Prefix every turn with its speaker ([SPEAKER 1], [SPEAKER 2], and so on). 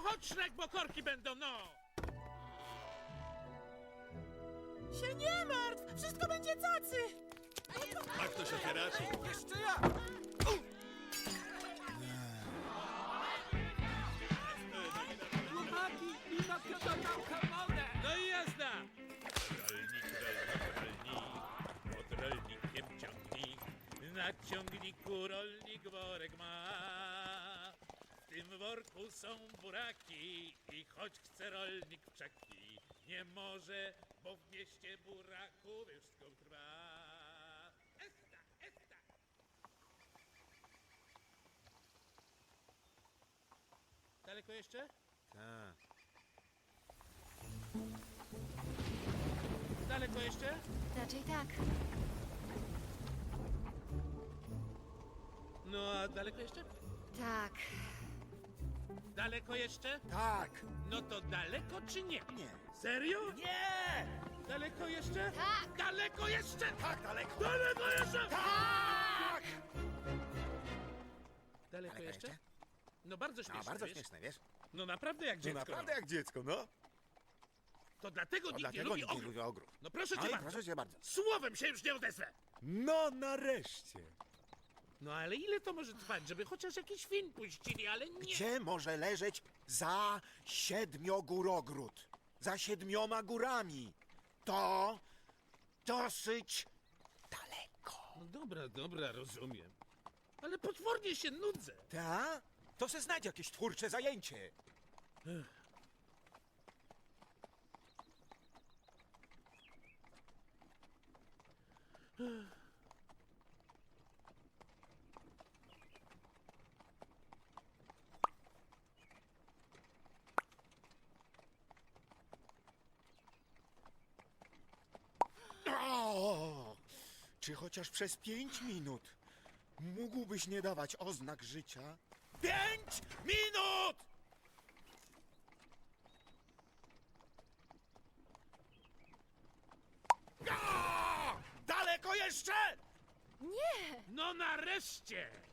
[SPEAKER 1] chodź, Szrek, bo korki będą, no!
[SPEAKER 2] Się nie martw! Wszystko będzie cacy!
[SPEAKER 1] A kto się teraz?
[SPEAKER 2] Jeszcze ja! Chłopaki, mi matka zadałka wodę!
[SPEAKER 1] No i jazda! Rolnik, pod rolnikiem ciągnik, na ciągniku rolnik worek ma. W tym worku są buraki i choć chce rolnik w czaki, nie może, bo w mieście buraku wszystko trwa. Esta, esta! Daleko jeszcze?
[SPEAKER 3] Tak.
[SPEAKER 1] Daleko jeszcze?
[SPEAKER 4] Raczej tak.
[SPEAKER 1] No a daleko jeszcze?
[SPEAKER 4] Tak.
[SPEAKER 1] Daleko jeszcze?
[SPEAKER 3] Tak.
[SPEAKER 1] No to daleko czy nie?
[SPEAKER 3] Nie.
[SPEAKER 1] Serio?
[SPEAKER 3] Nie!
[SPEAKER 1] Daleko jeszcze?
[SPEAKER 4] Tak.
[SPEAKER 1] Daleko jeszcze?
[SPEAKER 3] Tak, daleko.
[SPEAKER 1] Daleko jeszcze?
[SPEAKER 3] Tak!
[SPEAKER 1] Daleko
[SPEAKER 3] Daleko
[SPEAKER 1] jeszcze?
[SPEAKER 3] jeszcze?
[SPEAKER 1] No bardzo śmieszne,
[SPEAKER 3] bardzo
[SPEAKER 1] wiesz?
[SPEAKER 3] śmieszne, wiesz?
[SPEAKER 1] No naprawdę jak
[SPEAKER 3] No
[SPEAKER 1] dziecko.
[SPEAKER 3] naprawdę jak dziecko, no.
[SPEAKER 1] To dlatego
[SPEAKER 3] No
[SPEAKER 1] nikt nie
[SPEAKER 3] dlatego
[SPEAKER 1] lubi
[SPEAKER 3] nikt nie
[SPEAKER 1] ogród.
[SPEAKER 3] lubi ogród.
[SPEAKER 1] No proszę
[SPEAKER 3] No
[SPEAKER 1] cię
[SPEAKER 3] i
[SPEAKER 1] bardzo.
[SPEAKER 3] proszę cię bardzo.
[SPEAKER 1] Słowem się już nie odezwę.
[SPEAKER 3] No nareszcie.
[SPEAKER 1] No ale ile to może trwać, żeby chociaż jakiś film puścili, ale nie.
[SPEAKER 3] Gdzie może leżeć za 7-górogród? Za 7 górami. To dosyć daleko.
[SPEAKER 1] No dobra, rozumiem. Ale potwornie się nudzę.
[SPEAKER 3] Ta? To se znajdź jakieś twórcze zajęcie. O! Czy chociaż przez 5 minut mógłbyś nie dawać oznak życia? 5 minut! Daleko jeszcze?
[SPEAKER 4] Nie!
[SPEAKER 1] No nareszcie!